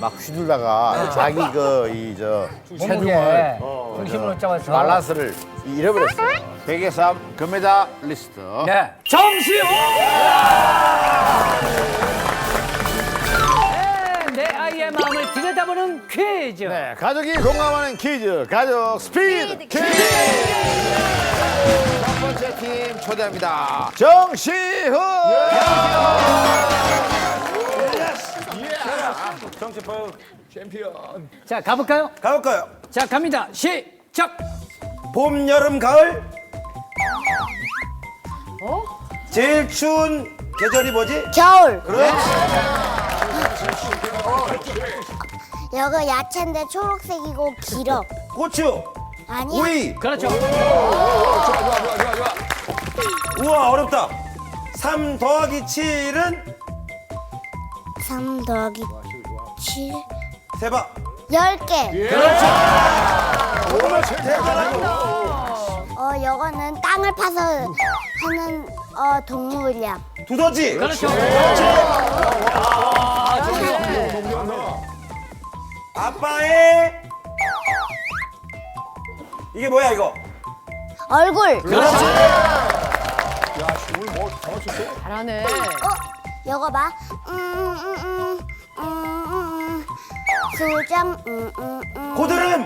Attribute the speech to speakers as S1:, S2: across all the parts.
S1: 막 휘둘다가 자기 체중을
S2: 중심으로 잡아서
S1: 밸런스를 잃어버렸어요. 세계 3 금메달리스트.
S2: 네. 정시호! 내 아이의 마음을 들여다보는 퀴즈.
S1: 네, 가족이 공감하는 퀴즈, 가족 스피드 퀴즈. 첫 번째 팀 초대합니다. 정시훈. 정치포 챔피언.
S2: 자, 가볼까요?
S3: 가볼까요?
S2: 자, 갑니다. 시작!
S3: 봄, 여름, 가을. 제일 추운 계절이 뭐지?
S4: 겨울.
S3: 그렇지.
S4: 여기 야채인데 초록색이고 길어.
S3: 고추,
S4: 아니야?
S3: 오이.
S2: 그렇죠.
S3: 우와, 어렵다. 3 더하기 7은
S4: 3 더하기 7.
S3: 세봐.
S4: 10개. 요거는 땅을 파서 하는 동물이야.
S3: 두더지.
S2: 그렇죠.
S3: 아빠의 이게 뭐야 이거?
S4: 얼굴.
S5: 잘하네.
S4: 요거 봐. 수정.
S3: 고드름.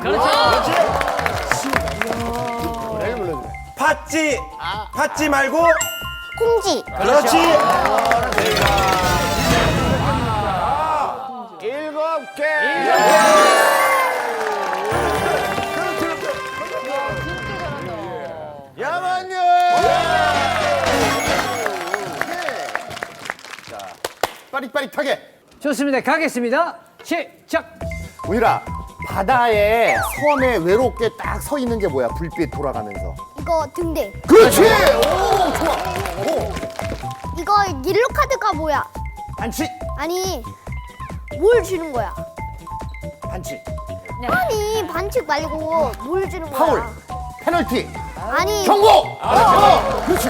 S3: 팥쥐. 팥쥐 말고.
S4: 콩지.
S3: 그렇지.
S1: 7개. 야만요. 자, 빠릿빠릿하게.
S2: 좋습니다. 가겠습니다. 시작!
S1: 우희라, 바다에 섬에 외롭게 딱 서 있는 게 뭐야? 불빛 돌아가면서.
S4: 이거 등대.
S1: 그렇지. 오, 좋아. 오,
S4: 이거 옐로 카드가 뭐야?
S1: 반칙.
S4: 아니 뭘 주는 거야?
S1: 반칙.
S4: 아니 반칙 말고 뭘 주는 거야?
S1: 파울. 페널티.
S4: 아니
S1: 경고. 그렇지.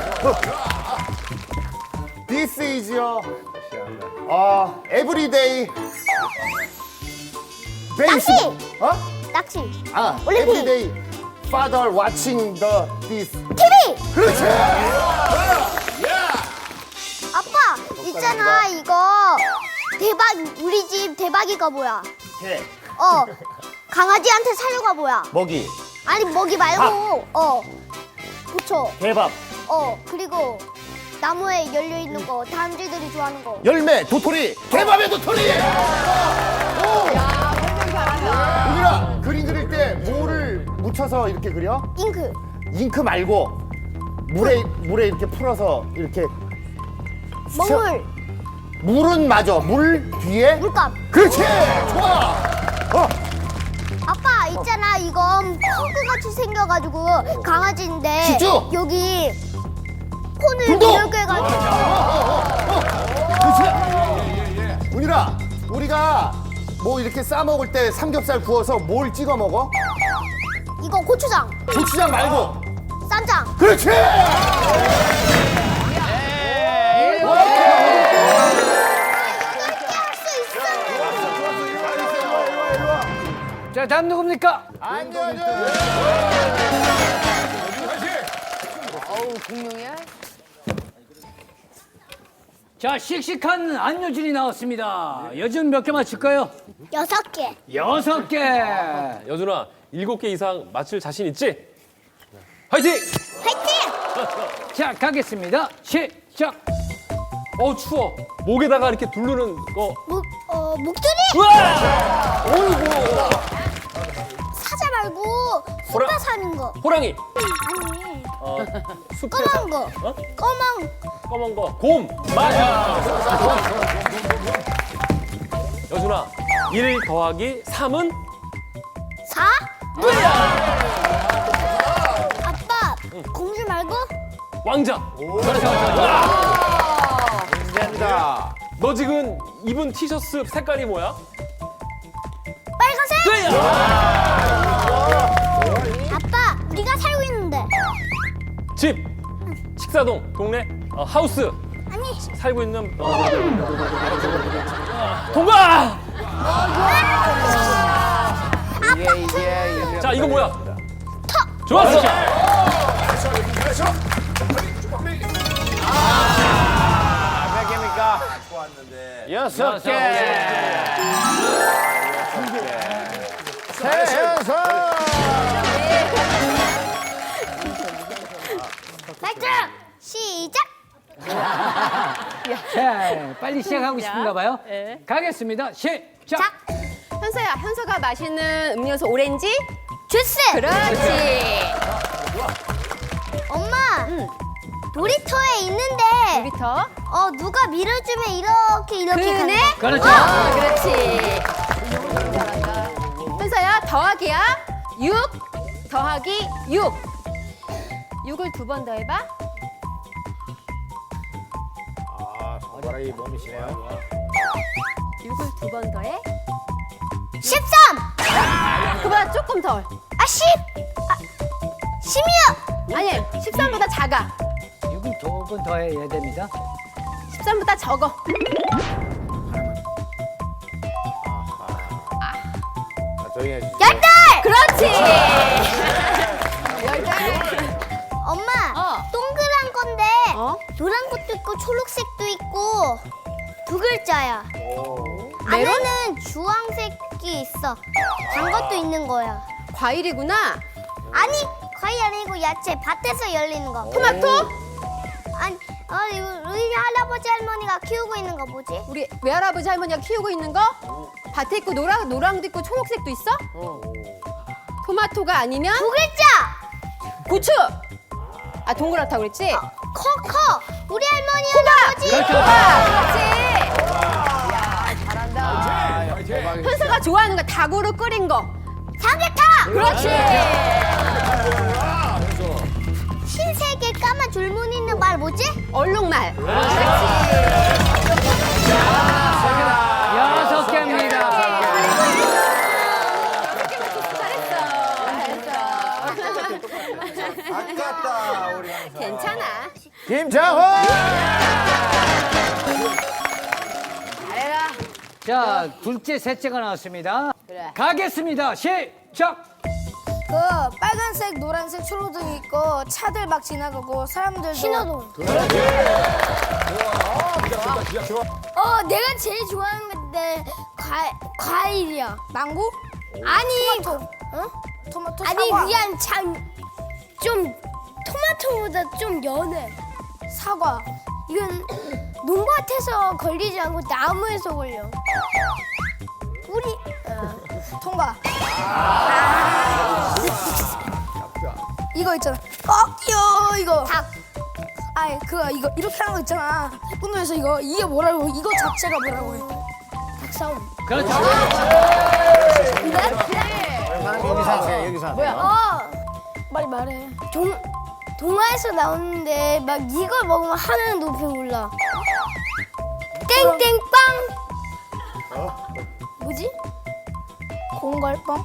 S1: This is your everyday
S4: 낚시!
S1: 어?
S4: 낚시. 올림픽.
S1: everyday father watching this.
S4: TV.
S1: 그렇지.
S4: 아빠 있잖아 이거 대박 우리 집 대박이가 뭐야?
S1: 개,
S4: 강아지한테 사료가 뭐야?
S1: 먹이,
S4: 아니 먹이 말고 부초.
S1: 개밥,
S4: 그리고 나무에 열려 있는 거 단쥐들이 좋아하는 거.
S1: 열매, 도토리, 개밥의 도토리. 우리가 그림 그릴 때 뭐를 묻혀서 이렇게 그려?
S4: 잉크.
S1: 잉크 말고 물에 이렇게 풀어서 이렇게.
S4: 먹물.
S1: 물은 맞아. 물 뒤에.
S4: 물감.
S1: 그렇지. 좋아.
S4: 아빠 있잖아 이건 퍼그 같이 생겨가지고 강아지인데
S1: 집중!
S4: 여기 폰을
S1: 불도!
S4: 이렇게 해가지고
S1: 그렇지. 운이라, 우리가 뭐 이렇게 싸 먹을 때 삼겹살 구워서 뭘 찍어 먹어?
S4: 이거 고추장,
S1: 고추장 말고.
S4: 쌈장.
S1: 그렇지.
S4: 할수 있어.
S2: 자, 다음 누굽니까?
S5: 공룡이야?
S2: 자, 씩씩한 안효진이 나왔습니다. 요즘 몇 개 맞출까요?
S4: 6개.
S2: 6개.
S6: 여준아, 7개 이상 맞출 자신 있지? 화이팅!
S4: 화이팅!
S2: 자, 가겠습니다. 시작!
S6: 추워. 목에다가 이렇게 두르는 거.
S4: 목소리.
S6: 우와!
S4: 사자 말고 숲에 사는 거.
S6: 호랑이.
S4: 아니
S6: 숲에
S4: 검은 거.
S6: 검은 거. 곰. 맞아. 여준아, 1 더하기 3은?
S4: 4? 아빠 공주 말고
S6: 왕자.
S1: 감사합니다.
S6: 너 지금 입은 티셔츠 색깔이 뭐야?
S4: 빨간색.
S6: 네!
S4: 아빠 우리가 살고 있는데.
S6: 집. 식사동. 동네. 하우스.
S4: 아니
S6: 살고 있는. 통과!
S4: 아!
S6: 자, 이거 뭐야? 좋았어.
S3: 몇 개입니까? 좋았는데.
S1: 6개.
S4: 발전 시작.
S2: 자, 빨리 시작하고 싶은가 봐요. 가겠습니다. 시작.
S5: 현서야, 현서가 마시는 음료수 오렌지?
S4: 주스.
S5: 그렇지.
S4: 엄마. 놀이터에 있는데.
S5: 놀이터.
S4: 누가 밀어주면 이렇게
S5: 그네?
S4: 가는 거.
S2: 그렇죠.
S5: 그렇지. 현서야, 더하기야. 6 더하기 6. 6을 두 번 더해봐.
S3: 손가락이 몸이시네요.
S5: 6을 두 번 더해.
S4: 13.
S5: 그보다 조금 덜.
S4: 10. 16.
S5: 아니, 13보다 작아.
S2: 6을 조금 더 해야 됩니다.
S5: 13보다 적어.
S3: 조용히 해주세요.
S4: 18.
S5: 그렇지.
S4: 엄마. 동그란 건데 노란 것도 있고 초록색도 있고 두 글자야. 안에는 주황색이 있어. 단 것도 있는 거야.
S5: 과일이구나.
S4: 아니 과일 아니고 야채. 밭에서 열리는 거.
S5: 토마토?
S4: 아니 이거 우리 할아버지 할머니가 키우고 있는 거 뭐지?
S5: 우리 외할아버지 할머니가 키우고 있는 거? 밭에 있고 노랑도 있고 초록색도 있어? 토마토가 아니면
S4: 두 글자.
S5: 고추. 아, 동그랗다고 그랬지?
S4: 커. 우리 할머니 할아버지.
S5: 그렇지. 현서가 좋아하는 거 닭으로 끓인 거.
S4: 삼계탕.
S5: 그렇지.
S4: 흰색에 까만 줄무늬 있는 말 뭐지?
S5: 얼룩말.
S2: 여섯 개입니다.
S3: 아깝다 우리 항상.
S5: 괜찮아.
S1: 김장호.
S5: 잘해라.
S2: 자, 둘째, 셋째가 나왔습니다.
S5: 그래.
S2: 가겠습니다. 시작.
S7: 그 빨간색, 노란색, 초록등 있고 차들 막 지나가고 사람들도
S4: 신호등.
S7: 내가 제일 좋아하는 건데 과일이야. 망고?
S4: 아니
S7: 토마토
S4: 아니
S7: 사과.
S4: 그냥 좀 토마토보다 좀 연해.
S7: 사과.
S4: 이건 농밭에서 걸리지 않고 나무에서 걸려. 우리
S7: 통과. 이거 있잖아. 이거.
S4: 닭.
S7: 아니 이거 이렇게 하는 거 있잖아. 태권도에서 이게 뭐라고? 이거 자체가 뭐라고 해?
S4: 닭싸움.
S2: 그렇죠.
S3: 여기서
S7: 빨리 말해.
S4: 동화에서 나오는데 막 이걸 먹으면 하늘은 높이 올라. 땡땡빵.
S7: 뭐지? 공갈빵?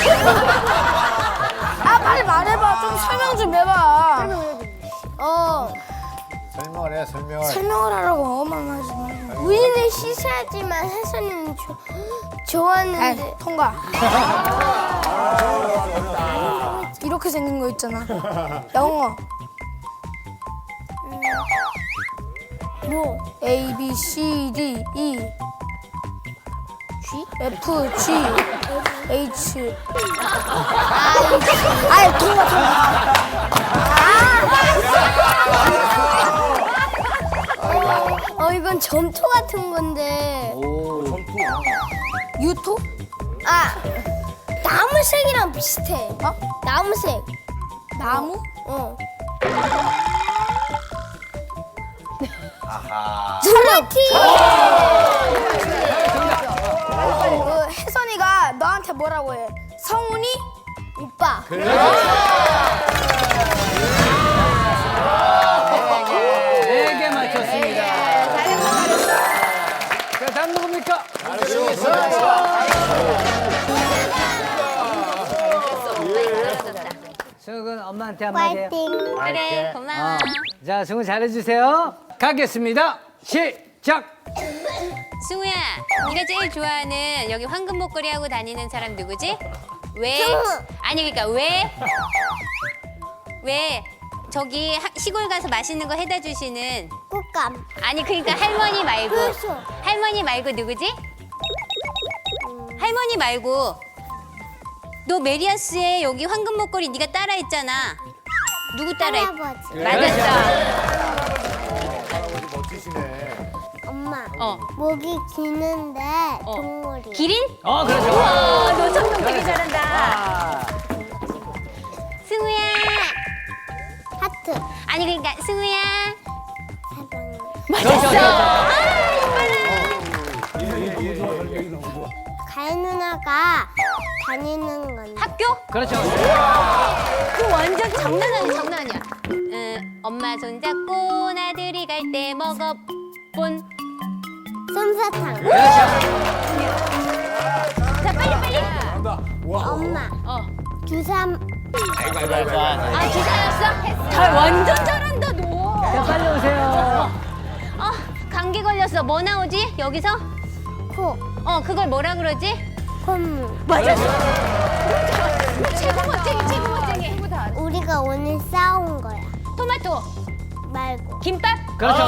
S7: 빨리 말해봐. 좀 설명 좀 해봐.
S3: 설명을 해 설명을.
S7: 설명을 하라고 엄마만 하지 말고.
S4: 우리는 씻어야지만 혜선이는 좋았는데.
S7: 통과. 이렇게 생긴 거 있잖아. 영어.
S4: 뭐?
S7: A, B, C, D, E. G? F, G, H. 통과.
S4: 이건 점토 같은 건데.
S7: 유토?
S4: 나무색이랑 비슷해. 나무색.
S7: 나무?
S4: 스마티.
S7: 혜선이가 너한테 뭐라고 해? 성훈이?
S4: 오빠.
S2: 네 개 맞췄습니다. 자, 다음 누굽니까? 승은 엄마한테 한마디 해요.
S4: 파이팅.
S8: 그래, 고마워.
S2: 자, 승우 잘해주세요. 가겠습니다. 시작.
S8: 승우야, 네가 제일 좋아하는 여기 황금 목걸이 하고 다니는 사람 누구지? 왜?
S4: 승우.
S8: 아니 그러니까 왜 저기 시골 가서 맛있는 거 해다 주시는
S4: 꽃감.
S8: 아니 그러니까 할머니 말고
S4: 그렇죠.
S8: 할머니 말고 누구지? 할머니 말고 너 메리아스의 여기 황금 목걸이 네가 따라했잖아. 누구 따라했?
S4: 할아버지.
S8: 맞았어.
S3: 멋지시네.
S4: 엄마.
S8: 어.
S4: 목이 기는데 동물이.
S8: 기린?
S2: 그렇죠.
S8: 우와, 너 성공 되게 잘한다.
S2: 아,
S8: 승우야.
S4: 하트.
S8: 아니 그러니까 승우야.
S4: 사랑해.
S8: 맞았어.
S4: 가인 누나가 다니는 건데.
S8: 학교?
S2: 그렇죠.
S8: 그 완전 장난 아니야. 엄마 손잡고 나들이 갈 때 먹어본.
S4: 솜사탕.
S8: 자 빨리.
S4: 엄마. 주삼.
S8: 아 주사였어? 잘 완전 잘한다 너.
S2: 자, 빨리 오세요.
S8: 감기 걸렸어. 뭐 나오지 여기서?
S4: 코.
S8: 그걸 뭐라 그러지?
S4: 콧물.
S8: 맞았어. 최고 멋쟁이.
S4: 우리가 오늘 싸운 거야.
S8: 토마토,
S4: 말고.
S8: 김밥.
S2: 그렇죠.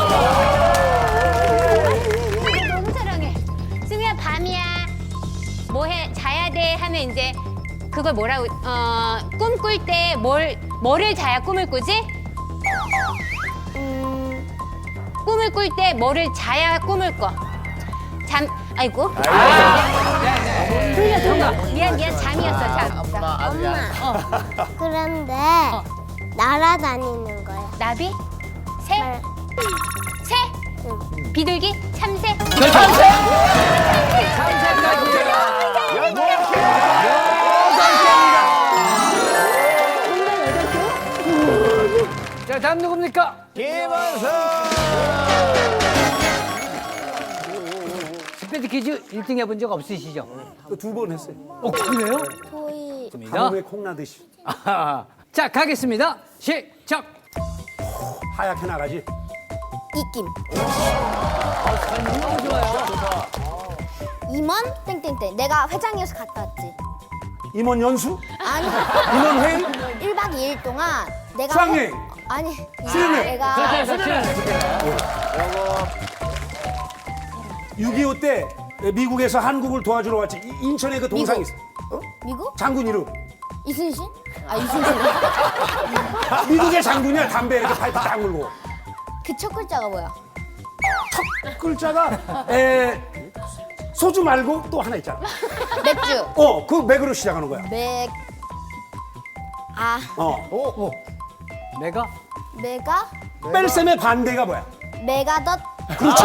S8: 너무 사랑해. 승우야 밤이야. 뭐해? 자야 돼 하면 이제 그걸 뭐라고? 꿈꿀 때 뭐를 자야 꿈을 꾸지? 꿈을 꿀 때 뭐를 자야 꿈을 꿔? 아이고.
S2: 틀려, 정답.
S8: 미안 잠이었어 잠.
S4: 엄마. 그런데 날아다니는 거야.
S8: 나비? 새?
S4: 말.
S8: 새? 비둘기? 참새?
S2: 자, 다음 누굽니까?
S3: 김원석.
S2: 스피드 퀴즈 1등 해본 적 없으시죠?
S9: 2번 했어요.
S2: 그래요?
S4: 소희.
S2: 좋습니다.
S9: 한우에 콩 나듯이
S2: 아하. 자, 가겠습니다. 시작.
S9: 하얗게 나가지.
S7: 이김.
S2: 너무 좋아요.
S7: 임원 땡땡땡. 내가 회장이어서 갔다 왔지.
S9: 임원 연수?
S7: 아니
S9: 임원 회의?
S7: 1박 2일 동안 내가
S9: 수학여행?
S7: 아니
S9: 수련회?
S7: 내가
S2: 그렇죠, 그렇죠.
S9: 6.25 때 미국에서 한국을 도와주러 왔지. 인천에 그 동상 있어.
S7: 미국?
S9: 장군 이름.
S7: 이순신? 아 이순신.
S9: 미국의 장군이야. 담배 이렇게 파이프 딱 물고.
S7: 그 첫 글자가 뭐야?
S9: 글자가 소주 말고 또 하나 있잖아.
S7: 맥주.
S9: 그 맥으로 시작하는 거야.
S2: 내가?
S7: 메가?
S9: 뺄셈의 반대가 뭐야?
S7: 메가덧.
S9: 그렇지.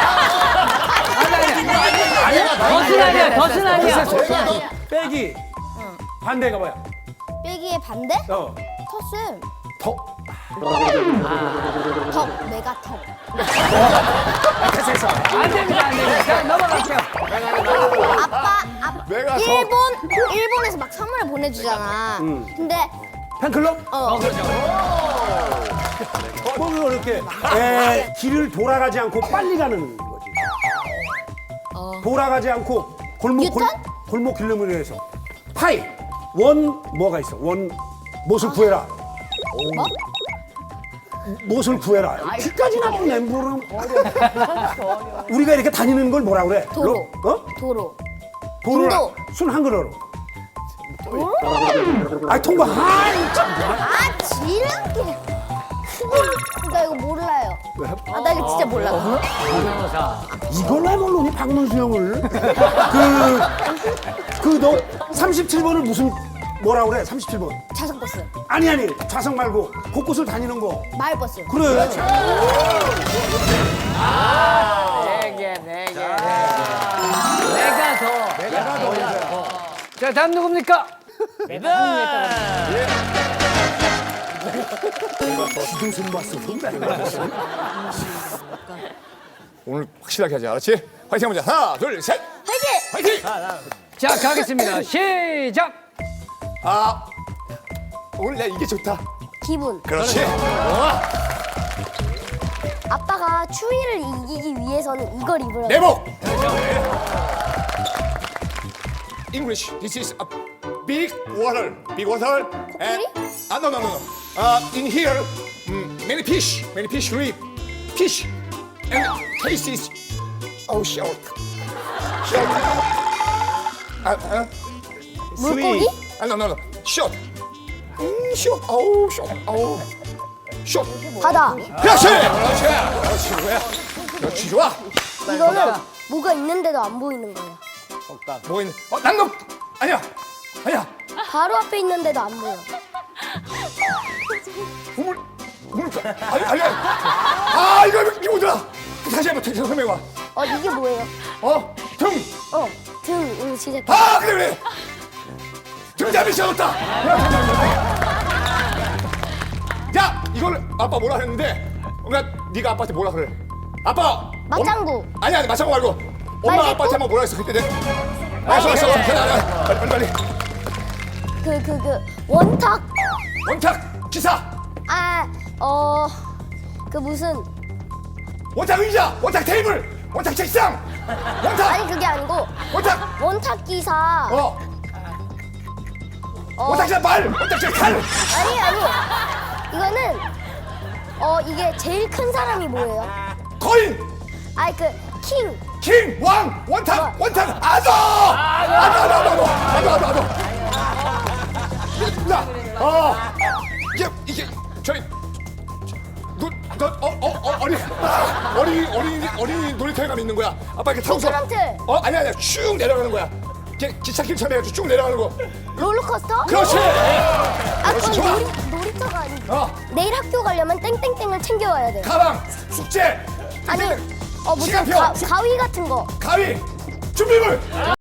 S2: 덫은 아니야.
S9: 빼기. 반대가 뭐야?
S7: 빼기의 반대? 텃은
S9: 더.
S7: 덕. 메가덕.
S2: 안 됩니다, 안 됩니다. 자, 넘어갈게요.
S7: 아빠
S3: 메가덕.
S7: 일본에서 막 선물을 보내주잖아. 근데
S9: 팬클럽?
S2: 그렇죠.
S9: 뭐 이렇게 길을 돌아가지 않고 빨리 가는 거지. 돌아가지 않고 골목 길름을 위해서 파이 원 뭐가 있어? 원 못을 구해라.
S7: 뭐?
S9: 못을 구해라. 귀까지 나쁜 멘붕은 우리가 이렇게 다니는 걸 뭐라 그래?
S7: 도로.
S9: 도로.
S7: 인도.
S9: 순 한글어로. 통과.
S7: 아 지름길. 나 이거 몰라요. 나 이거 진짜 몰라.
S2: 변호사.
S9: 이걸 왜 모르니 박문수 형을? 너 37번을 무슨 뭐라 그래? 37번.
S7: 자석버스.
S9: 아니 좌석 말고 곳곳을 다니는 거.
S7: 마을버스.
S9: 그래.
S2: 내가 더. 자, 다음 누굽니까?
S9: 지도선 봤어.
S3: 오늘 확실하게 하자. 알았지? 화이팅 해보자. 하나, 둘, 셋. 화이팅!
S2: 자, 가겠습니다. 시작.
S3: 오늘 야 이게 좋다.
S7: 기분.
S3: 그렇지.
S7: 아빠가 추위를 이기기 위해서는 이걸 입으라고.
S3: 내복. English. This is a big water. And, no. In here, many fish live. Fish. And taste is, short.
S4: 물고기?
S3: No. Short. Short. Short.
S4: 바다.
S3: 그렇지. 뭐야? 그렇지, 좋아.
S4: 이거는 뭐가 있는데도 안 보이는 거예요.
S3: 뭐 있는? 난너 아니야.
S4: 바로 앞에 있는데도 안 보여.
S3: 우물. 이거 뭐더라? 다시 한번 설명해봐.
S4: 이게 뭐예요?
S3: 등.
S4: 등 시작.
S3: 그래. 등잡이 시작했다. 자, 이걸 아빠 뭐라 했는데? 그러니까 네가 아빠한테 뭐라 그래? 아빠.
S4: 맞장구.
S3: 아니 맞장구 말고. 엄마
S4: 말대꾸?
S3: 아빠한테 한번 뭐라 했어 그때? 알았어. 빨리.
S4: 원탁.
S3: 원탁 기사.
S4: 그 무슨
S3: 원탁 의자. 원탁 테이블. 원탁 책상. 원탁.
S4: 아니 그게 아니고
S3: 원탁.
S4: 원탁 기사.
S3: 원탁 기사 말. 원탁 기사 칼.
S4: 아니. 이거는 이게 제일 큰 사람이 뭐예요?
S3: 거인.
S4: 킹.
S3: 킹. 왕. 원탁. 아도. 이게 저희 어린이 놀이터에 가면 있는 거야. 아빠 이렇게 타고서.
S4: 미끄럼틀.
S3: 아니야. 쭉 내려가는 거야. 기찻길처럼 해가지고 쭉 내려가는 거.
S4: 롤러코스터?
S3: 그렇지.
S4: 그건
S3: 좋아.
S4: 놀이터가 아니고 내일 학교 가려면 땡땡땡을 챙겨와야 돼요.
S3: 가방. 숙제.
S4: 아니 무슨
S3: 시간표.
S4: 가위 같은 거.
S3: 가위. 준비물.